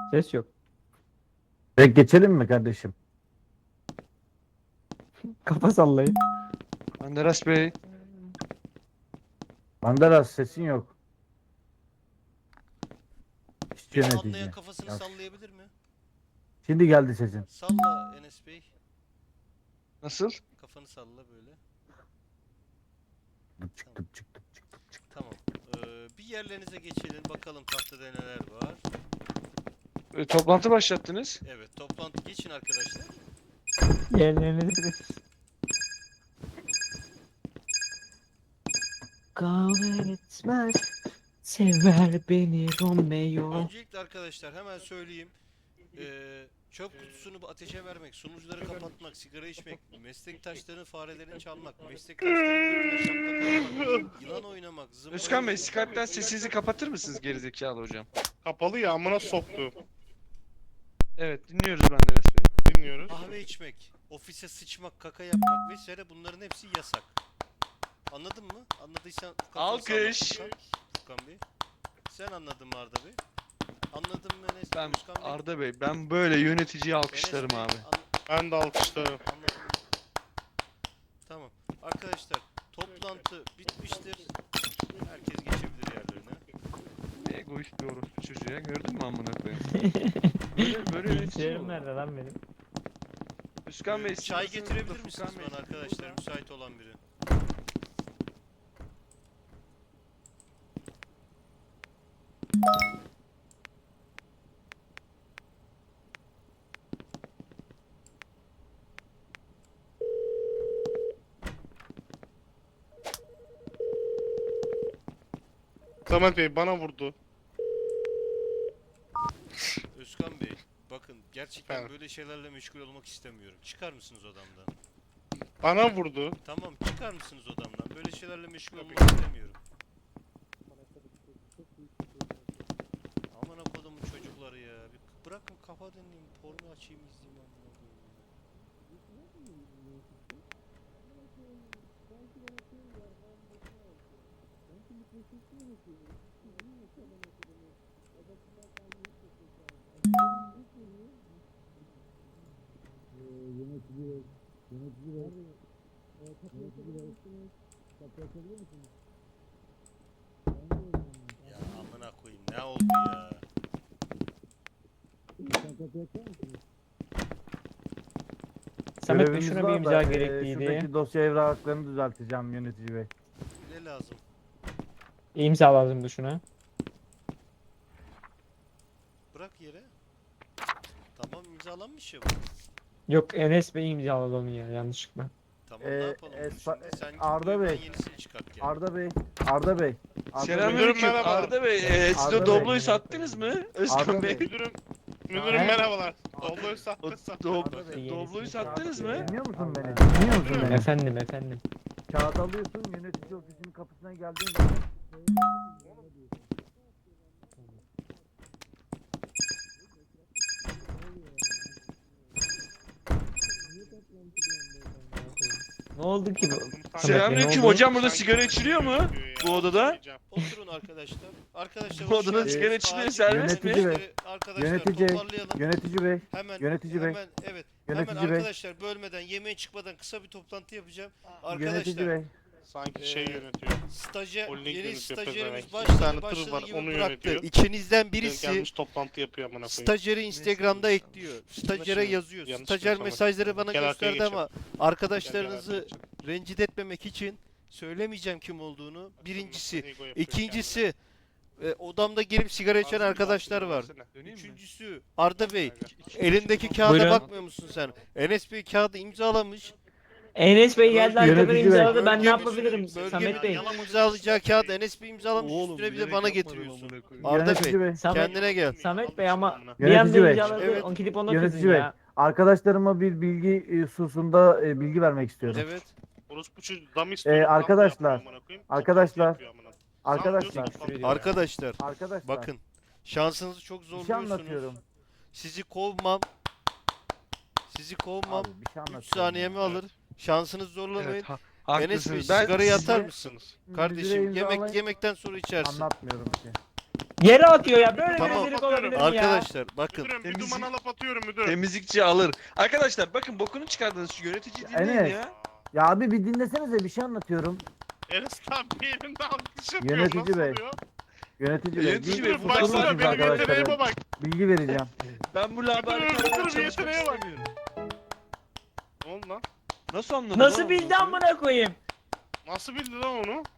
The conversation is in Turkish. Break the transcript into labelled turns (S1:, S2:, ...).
S1: Ses yok.
S2: Direkt geçelim mi kardeşim?
S1: Kafa sallayın.
S3: Menderes Bey.
S2: Banderas sesin yok. İşçi
S4: Beni
S2: yönetici.
S4: anlayan kafasını
S2: Ya,
S4: sallayabilir mi?
S2: şimdi geldi sesin.
S4: Salla Enes Bey.
S3: Nasıl?
S4: Kafanı salla böyle.
S2: Tıpçık tıpçık tıpçık tıpçık.
S4: Tamam. Bir yerlerinize geçelim. Bakalım tahtada neler var.
S3: Toplantı başlattınız.
S4: Evet, toplantı geçin arkadaşlar.
S1: Yerlerini de. Kavga etmez. Sever beni Romeo.
S4: Öncelikle arkadaşlar hemen söyleyeyim. Çöp kutusunu ateşe vermek, sunucuları kapatmak, sigara içmek, meslektaşların farelerini çalmak, meslektaşların götüne şaplak atmak, yılan oynamak, zımbırtı...
S3: Özkan Bey, Skype'den sesinizi kapatır mısınız gerizekalı hocam?
S5: Kapalı ya amına soktu.
S3: Evet, dinliyoruz Menderes Bey.
S5: Dinliyoruz.
S4: Kahve içmek, ofise sıçmak, kaka yapmak vesaire bunların hepsi yasak. Anladın mı? Anladıysan kafanı
S3: Alkış.
S4: salla Furkan Bey. Sen anladın mı Arda Bey? Anladın mı Enes Bey?
S3: Ben
S4: Özkan Bey?
S3: Arda Bey, ben böyle yöneticiyi alkışlarım
S4: Enes Bey,
S3: abi.
S5: Ben de alkışlarım.
S4: Anladım. Tamam. Arkadaşlar toplantı bitmiştir. Herkes geçebilir yerlerine.
S3: Ne egoist bir orospu çocuğu ya, gördün mü amına koyayım? Böyle yönetici mi
S1: Bilgisayarım
S3: olur?
S1: nerede lan benim?
S3: Özkan Bey,
S4: Çay
S3: sırasınızda
S4: getirebilir misiniz
S3: Furkan Bey.
S4: bana arkadaşlar? Müsait olan biri.
S5: Samet Bey bana vurdu.
S4: Özkan Bey, bakın gerçekten
S5: Evet.
S4: böyle şeylerle meşgul olmak istemiyorum. Çıkar mısınız odamdan?
S5: Bana vurdu.
S4: Tamam, çıkar mısınız odamdan? Böyle şeylerle meşgul olmak istemiyorum. Aman kodumun çocukları ya. Bir bırakın kafa dinleyeyim, porno açayım izleyeyim amına koyayım ya. Ya amına koyayım ne oldu ya?
S1: Samet Bey
S2: Görevimiz
S1: şuna bir
S2: var
S1: imza
S2: da,
S1: gerekliydi.
S2: şuradaki dosya evraklarını düzelteceğim yönetici bey.
S4: Ne lazım?
S1: İmza lazımdı şuna.
S4: Bırak yere. Tamam imzalanmış ya bu.
S1: Yok Enes Bey imzaladı onu ya yanlışlıkla.
S4: Tamam ne yapalım bunu şimdi? Sen git
S2: Arda
S4: buyur, ben
S2: Bey.
S4: yenisini çıkart gel.
S2: Arda Bey. Arda Bey. Arda Bey.
S3: Selamünaleyküm
S5: merhaba.
S3: Arda Bey, siz
S2: Arda
S3: o
S2: Bey.
S3: Doblo'yu sattınız mı? Özkan
S2: Arda
S3: Bey.
S2: Bey.
S5: Müdürüm
S1: He?
S5: merhabalar. Dobloyu sattı
S3: O
S5: sattı.
S2: Arda Bey.
S3: Doblo'yu sattınız mı?
S2: Dinliyor musun beni? Dinliyor musun beni?
S1: Efendim.
S2: Kağıt alıyorsun, yönetici ofisinin kapısına geldiğin zaman
S1: Ne oldu ki bu?
S3: Selamünaleyküm
S1: oldu?
S3: hocam, burada sigara içiliyor mu? Bu odada?
S4: Oturun arkadaşlar. Arkadaşlar
S3: Bu
S4: hoş
S3: odada
S4: geldiniz.
S3: sigara içiliyor,
S4: Acil
S3: serbest mi?
S2: Yönetici Bey.
S4: işleri Arkadaşlar
S2: Yönetici.
S4: toparlayalım.
S2: Yönetici bey.
S4: Hemen
S2: Yönetici Bey.
S4: hemen evet.
S2: Yönetici
S4: hemen
S2: Bey.
S4: arkadaşlar bölmeden yemeğe çıkmadan kısa bir toplantı yapacağım.
S2: Yönetici
S4: Arkadaşlar
S2: bey.
S5: Sanki şey
S4: Ee,
S5: yönetiyor.
S4: Holding yeni
S5: yönetiyor
S4: stajyerimiz
S5: pezevenk. Bir tane
S4: başladı
S5: tır var,
S4: gibi
S5: onu
S4: bıraktı.
S5: yönetiyor.
S4: İçinizden birisi
S5: Gelmiş toplantı yapıyor amına koyayım.
S4: stajyeri Instagram'da ekliyor. Stajyere
S5: Yanlış
S4: yazıyor.
S5: yanlış
S4: Stajyer
S5: yapamadım.
S4: mesajları bana
S5: Gel arkaya
S4: gösterdi ama arkadaşlarınızı
S5: Gel,
S4: rencide etmemek için söylemeyeceğim kim olduğunu. Birincisi.
S5: Ego yapıyor
S4: İkincisi odamda gelip sigara içen
S5: kendine.
S4: arkadaşlar var.
S5: Ağzını
S3: Döneyim mi?
S4: Üçüncüsü Arda Bey. Elindeki kağıda
S1: Buyurun.
S4: bakmıyor musun sen? Enes Bey kağıdı imzalamış.
S1: Enes Bey geldi arkadan
S2: Yönetici Bey.
S1: imzaladı. Ben ne
S4: Bölge
S1: yapabilirim
S4: müdürü,
S1: Samet Bey?
S4: yalan imzalayacağı kağıdı Enes Bey imzalamış. Üstüne bir de bana getiriyorsun. Arda
S2: Yönetici
S4: Bey
S2: bey.
S1: Samet,
S4: kendine gel.
S1: Samet Bey ama bir
S2: Yönetici
S1: anda
S2: Bey.
S1: imzaladı.
S4: Evet.
S1: On gidip ona
S2: Yönetici
S1: kızın
S2: Bey.
S1: ya.
S2: Arkadaşlarıma bir bilgi hususunda bilgi vermek istiyorum.
S4: Evet.
S5: Orospu çocuğu dam istiyor.
S2: Arkadaşlar, arkadaşlar, arkadaşlar,
S4: Arkadaşlar
S2: Arkadaşlar.
S4: bakın şansınızı çok
S2: Bir şey
S4: zorluyorsunuz.
S2: anlatıyorum.
S4: Sizi kovmam. Sizi kovmam.
S2: Abi, bir şey
S4: 3
S2: anlatıyorum.
S4: saniyemi alır. Şansınızı zorlamayın.
S3: Evet,
S4: Enes Bey
S3: haklısınız. Ben
S4: sigarayı atar
S2: size-
S4: mısın?
S2: Müdüre
S4: Kardeşim
S2: imzalayın.
S4: yemekten sonra içersin.
S2: Anlatmıyorum ki.
S1: Yere atıyor ya. Böyle
S4: Tamam.
S1: bir rezillik olabilir mi ya?
S4: Arkadaşlar bakın.
S5: Müdürüm bir
S3: Temizlik-
S5: dumana laf atıyorum müdür.
S3: Temizlikçi alır. Arkadaşlar bakın bokunu çıkardınız şu yönetici dinleyin
S2: Enes.
S3: ya.
S2: Ya abi bir dinlesenize, bir şey anlatıyorum.
S5: Enes abi elinde alkış yapıyor.
S2: Yönetici
S5: nasıl
S2: bey.
S5: oluyor?
S2: Yönetici bey.
S3: Yönetici bey,
S2: bir
S3: bu
S5: Baksana
S2: oturur
S3: baksana,
S2: musunuz
S5: benim yeteneğime
S2: arkadaşlar?
S5: bak.
S2: Bilgi vereceğim.
S3: Ben bu laboratuvarda
S5: Müdürüm,
S3: çalışmak
S5: yeteneğe bak.
S3: istemiyorum.
S5: Ne oldu lan?
S3: Nasıl anladın?
S1: Nasıl
S3: oğlum
S1: bildi
S3: bunu?
S1: amına koyayım?
S5: Nasıl bildi lan onu?